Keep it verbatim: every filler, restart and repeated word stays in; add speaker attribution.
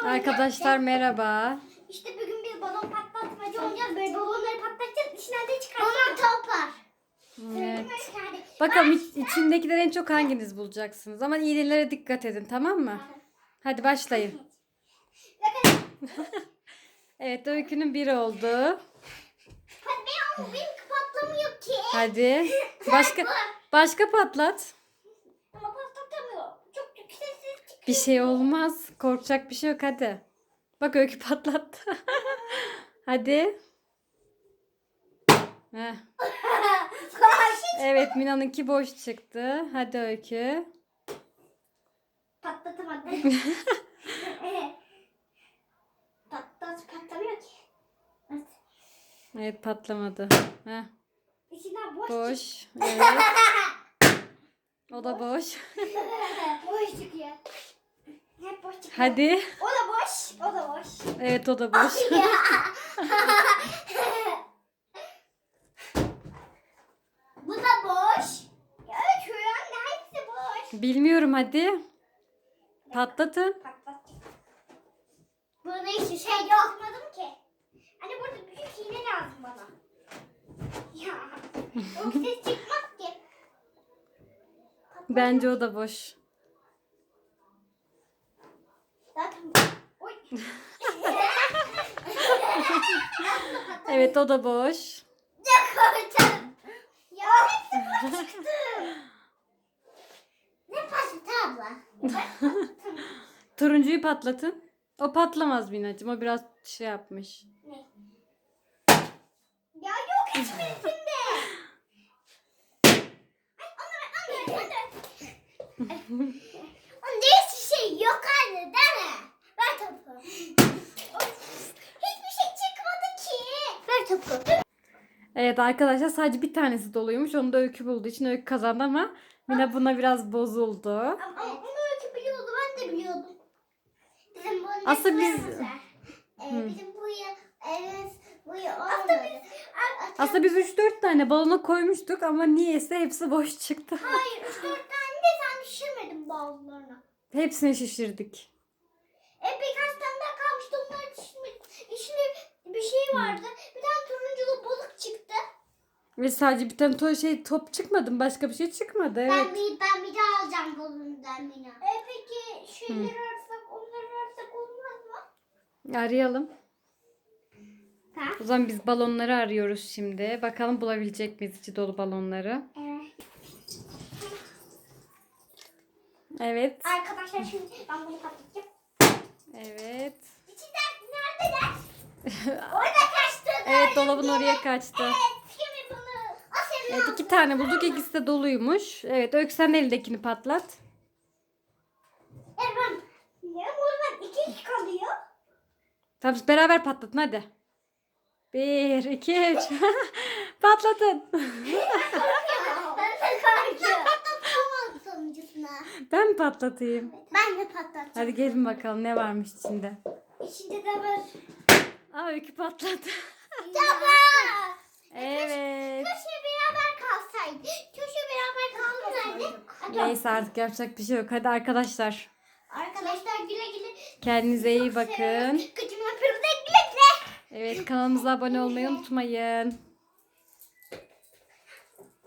Speaker 1: Arkadaşlar merhaba.
Speaker 2: İşte bugün bir balon patlatmacı oynayacağız. Böyle balonları patlatacağız. İçinden de çıkartacağız. Balon topar.
Speaker 1: Evet. Bakalım iç, içindekileri en çok hanginiz bulacaksınız? Ama iğnelere dikkat edin, tamam mı? Hadi başlayın. Evet, Öykü'nün biri oldu.
Speaker 2: Hadi ben ama benim patlamıyor ki.
Speaker 1: Hadi. Başka başka patlat.
Speaker 2: Ama patlatamıyor. Çok çok sessiz çıkıyor.
Speaker 1: Bir şey olmaz. Korkacak bir şey yok, hadi. Bak, Öykü patlattı. Hadi. Heh. Evet, Mina'nınki boş çıktı. Hadi Öykü.
Speaker 2: Patlatamadım. Patlat patlamıyor ki. Evet.
Speaker 1: Evet, patlamadı. Heh.
Speaker 2: İçinden boş,
Speaker 1: Boş. Evet. O da boş.
Speaker 2: çıkıyor. Boş çıkıyor. Hep boş çıkıyor.
Speaker 1: Hadi.
Speaker 2: O da boş. O da boş.
Speaker 1: Evet, o da boş.
Speaker 2: Bu da boş. Evet şu an hepsi boş.
Speaker 1: Bilmiyorum, hadi. Patlatın.
Speaker 2: Patlat. Burada hiç şey yapmadım ki. Hani burada büyük iğne lazım bana. Ya. Yok ses çıkmaz ki.
Speaker 1: Bence o da boş.
Speaker 2: Zaten oy.
Speaker 1: Evet, o da boş.
Speaker 2: Ya korktum. Ya hepsi boş çıktı. Ne patladı abla?
Speaker 1: Turuncuyu patlatın. O patlamaz Minacığım. O biraz şey yapmış.
Speaker 2: Ne? Ya yok hiçbirisinde. Ay onları onları onları. Onda hiçbir şey yok anne değil mi? Ver topu. Hiçbir şey çıkmadı ki. Ver topu.
Speaker 1: Evet arkadaşlar, sadece bir tanesi doluymuş. Onu da Öykü bulduğu için Öykü kazandı ama Mina buna biraz bozuldu.
Speaker 2: Ama onu öyle biliyordu, ben de biliyordum. Bizim bu
Speaker 1: Aslında biz-
Speaker 2: Ee, bizim bu ya evet bu ya aslında biz
Speaker 1: Aslında biz üç dört tane balona koymuştuk ama niyeyse hepsi boş çıktı.
Speaker 2: hayır üç dört tane de sen düşürmedin bazılarına.
Speaker 1: Hepsini şişirdik.
Speaker 2: E birkaç tane daha kalmıştı, onları düşürmedim. İçinde bir şey vardı. Bir tane turunculu balık çıktı.
Speaker 1: Ve sadece bir tane to şey top çıkmadı mı? Başka bir şey çıkmadı.
Speaker 2: Ben
Speaker 1: Evet.
Speaker 2: bir ben bir daha alacağım balonundan Mina. E peki şeyleri ararsak, onları ararsak olmaz mı?
Speaker 1: Arayalım.
Speaker 2: Ha?
Speaker 1: O zaman biz balonları arıyoruz şimdi. Bakalım bulabilecek miyiz içi dolu balonları.
Speaker 2: Evet.
Speaker 1: Evet.
Speaker 2: Arkadaşlar şimdi ben bunu patlatacağım.
Speaker 1: Evet.
Speaker 2: İçinden neredeler? Orada kaçtı.
Speaker 1: Evet, dolabın oraya kaçtı.
Speaker 2: Evet, şimdi bunu. O senin
Speaker 1: Evet, iki tane bulduk. İkisi de doluymuş. Evet, Öykü sen elindekini patlat.
Speaker 2: Evet ben. Ya buradan iki iki kalıyor.
Speaker 1: Tamam, siz beraber patlatın hadi. Bir, iki, üç. Patlatın.
Speaker 2: Ben de korkuyorum. Patlatamam sonuncusuna.
Speaker 1: Ben mi patlatayım?
Speaker 2: Ben de patlatacağım.
Speaker 1: Hadi gelin bakalım ne varmış içinde.
Speaker 2: İçinde de var.
Speaker 1: Aa, Öykü patladı.
Speaker 2: Tamam.
Speaker 1: Evet.
Speaker 2: Köşe beraber kalsaydı. Köşe beraber kalsaydı.
Speaker 1: Neyse, artık yapacak bir şey yok. Hadi arkadaşlar.
Speaker 2: Arkadaşlar güle güle.
Speaker 1: Kendinize iyi bakın.
Speaker 2: Kıcım yapıyoruz. Güle güle.
Speaker 1: Evet, kanalımıza abone olmayı unutmayın.